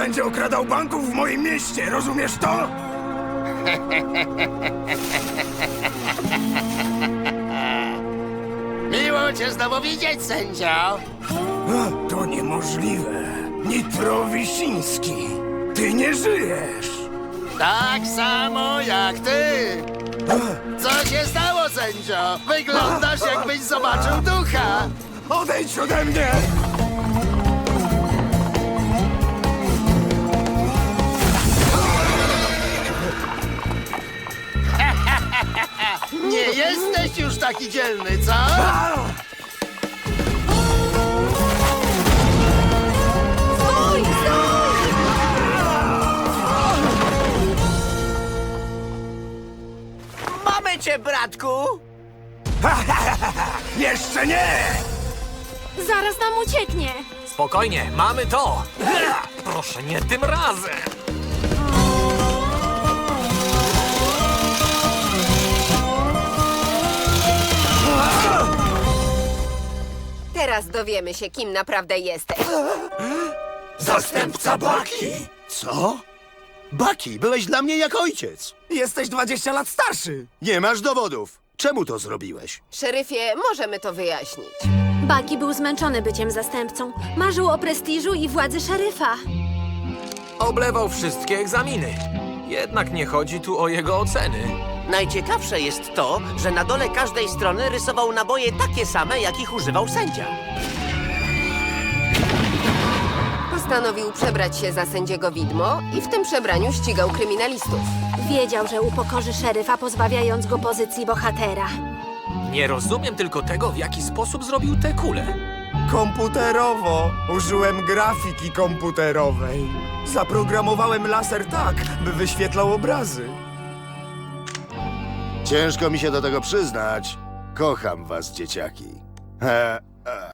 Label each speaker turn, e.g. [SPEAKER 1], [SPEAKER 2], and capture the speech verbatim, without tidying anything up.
[SPEAKER 1] będzie okradał banków w moim mieście, rozumiesz to?
[SPEAKER 2] Miło cię znowu widzieć, sędzio.
[SPEAKER 1] A, to niemożliwe. Nitro Wisiński, ty nie żyjesz.
[SPEAKER 2] Tak samo jak ty. Co się stało, sędzio? Wyglądasz, jakbyś zobaczył ducha.
[SPEAKER 1] Odejdź ode mnie!
[SPEAKER 2] Nie jesteś już taki dzielny, co?
[SPEAKER 1] A!
[SPEAKER 3] Stój, stój!
[SPEAKER 4] Mamy cię, bratku!
[SPEAKER 1] Jeszcze nie!
[SPEAKER 3] Zaraz nam ucieknie.
[SPEAKER 5] Spokojnie, mamy to! Proszę, nie tym razem!
[SPEAKER 6] Teraz dowiemy się, kim naprawdę jesteś.
[SPEAKER 1] Zastępca Baki!
[SPEAKER 7] Co? Baki, byłeś dla mnie jak ojciec.
[SPEAKER 1] Jesteś dwadzieścia lat starszy.
[SPEAKER 7] Nie masz dowodów. Czemu to zrobiłeś?
[SPEAKER 6] Szeryfie, możemy to wyjaśnić.
[SPEAKER 3] Baki był zmęczony byciem zastępcą. Marzył o prestiżu i władzy szeryfa.
[SPEAKER 5] Oblewał wszystkie egzaminy. Jednak nie chodzi tu o jego oceny.
[SPEAKER 4] Najciekawsze jest to, że na dole każdej strony rysował naboje takie same, jakich używał sędzia.
[SPEAKER 6] Postanowił przebrać się za sędziego widmo i w tym przebraniu ścigał kryminalistów.
[SPEAKER 3] Wiedział, że upokorzy szeryfa, pozbawiając go pozycji bohatera.
[SPEAKER 5] Nie rozumiem tylko tego, w jaki sposób zrobił te kule.
[SPEAKER 1] Komputerowo. Użyłem grafiki komputerowej. Zaprogramowałem laser tak, by wyświetlał obrazy.
[SPEAKER 7] Ciężko mi się do tego przyznać. Kocham was, dzieciaki. E, e.